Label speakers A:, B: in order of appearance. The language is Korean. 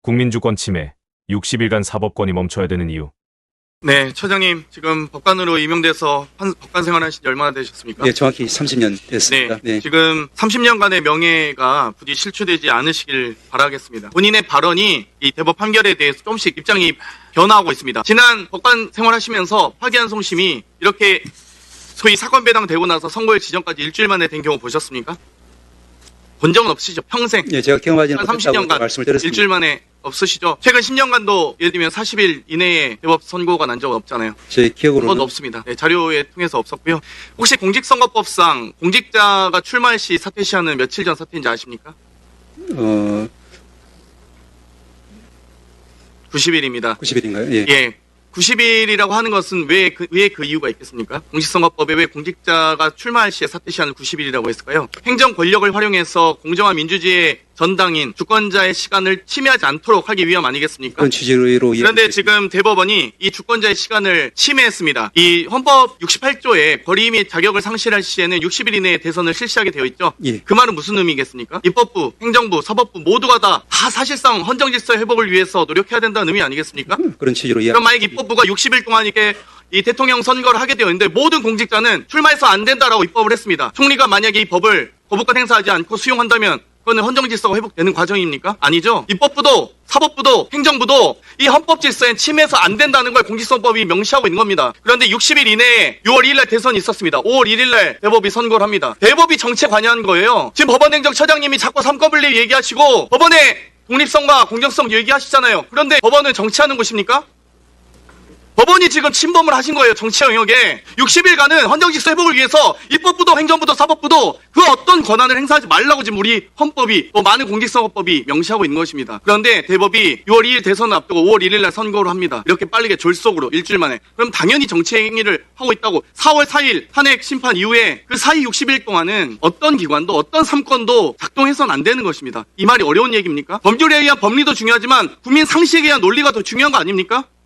A: 국민주권 침해, 60일간 사법권이 멈춰야 되는 이유.
B: 네, 처장님 지금 법관으로 임명돼서 법관 생활하신 지 얼마나 되셨습니까?
C: 네, 정확히 30년 됐습니다.
B: 네, 지금 30년간의 명예가 부디 실추되지 않으시길 바라겠습니다. 본인의 발언이 이 대법 판결에 대해서 조금씩 입장이 변화하고 있습니다. 지난 법관 생활하시면서 파기환송심이 이렇게 소위 사건 배당되고 나서 선고일 지정까지 일주일 만에 된 경우 보셨습니까? 본 적은 없으시죠? 평생.
C: 네, 제가 경험하지는
B: 한
C: 못했다고
B: 30년간
C: 말씀을 드렸습니다.
B: 일주일 만에 없으시죠? 최근 10년간도 예를 들면 40일 이내에 대법 선고가 난 적은 없잖아요.
C: 제
B: 그건
C: 기억으로는
B: 없습니다. 네, 자료에 통해서 없었고요. 혹시 공직선거법상 공직자가 출마할 시 사퇴 시한은 며칠 전 사퇴인지 아십니까? 90일입니다.
C: 90일인가요? 예.
B: 예. 90일이라고 하는 것은 왜 그 이유가 있겠습니까? 공직선거법에 왜 공직자가 출마할 시에 사퇴 시한을 90일이라고 했을까요? 행정 권력을 활용해서 공정한 민주주의의 전당인 주권자의 시간을 침해하지 않도록 하기 위함 아니겠습니까?
C: 그런 취지로
B: 그런데 지금 대법원이 이 주권자의 시간을 침해했습니다. 이 헌법 68조에 권리 및 자격을 상실할 시에는 60일 이내에 대선을 실시하게 되어 있죠.
C: 예.
B: 그 말은 무슨 의미겠습니까? 입법부, 행정부, 사법부 모두가 다 사실상 헌정질서 회복을 위해서 노력해야 된다는 의미 아니겠습니까?
C: 그런 취지로
B: 그럼 만약 입법부가 60일 동안 이렇게 이 대통령 선거를 하게 되어 있는데 모든 공직자는 출마해서 안 된다라고 입법을 했습니다. 총리가 만약에 이 법을 거부권 행사하지 않고 수용한다면 그거는 헌정질서가 회복되는 과정입니까? 아니죠. 입법부도 사법부도 행정부도 이 헌법질서에 침해해서 안 된다는 걸 공직선거법이 명시하고 있는 겁니다. 그런데 60일 이내에 6월 2일 날 대선이 있었습니다. 5월 1일 날 대법이 선고를 합니다. 대법이 정치에 관여한 거예요. 지금 법원행정처장님이 자꾸 삼권분립 얘기하시고 법원의 독립성과 공정성 얘기하시잖아요. 그런데 법원은 정치하는 곳입니까? 법원이 지금 침범을 하신 거예요. 정치 영역에. 60일간은 헌정질서 회복을 위해서 입법부도 행정부도 사법부도 그 어떤 권한을 행사하지 말라고 지금 우리 헌법이 또 많은 공직선거법이 명시하고 있는 것입니다. 그런데 대법이 6월 2일 대선을 앞두고 5월 1일 날 선거를 합니다. 이렇게 빠르게 졸속으로 일주일 만에. 그럼 당연히 정치 행위를 하고 있다고. 4월 4일 탄핵 심판 이후에 그 사이 60일 동안은 어떤 기관도 어떤 삼권도 작동해서는 안 되는 것입니다. 이 말이 어려운 얘기입니까? 법률에 의한 법리도 중요하지만 국민 상식에 의한 논리가 더 중요한 거 아닙니까?